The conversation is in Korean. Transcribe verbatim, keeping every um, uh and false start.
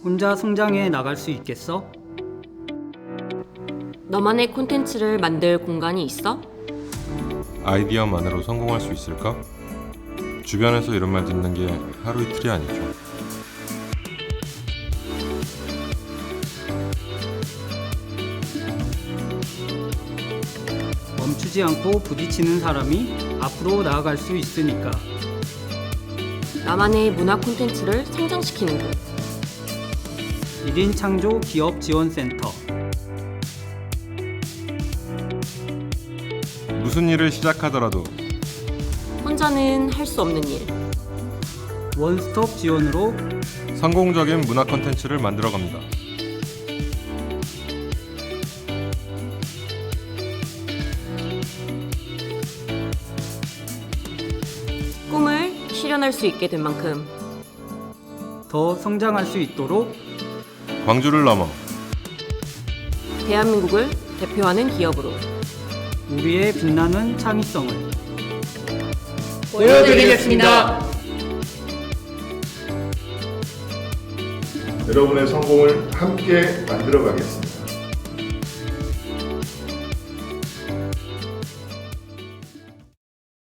혼자 성장해 나갈 수 있겠어? 너만의 콘텐츠를 만들 공간이 있어? 아이디어만으로 성공할 수 있을까? 주변에서 이런 말 듣는 게 하루 이틀이 아니죠. 멈추지 않고 부딪히는 사람이 앞으로 나아갈 수 있으니까. 나만의 문화 콘텐츠를 성장시키는 곳. 일 인 창조 기업 지원센터. 무슨 일을 시작하더라도 혼자는 할 수 없는 일. 원스톱 지원으로 성공적인 문화 콘텐츠를 만들어갑니다. 꿈을 실현할 수 있게 된 만큼 더 성장할 수 있도록 광주를 넘어 대한민국을 대표하는 기업으로 우리의 빛나는 창의성을 보여드리겠습니다. 여러분의 성공을 함께 만들어 가겠습니다.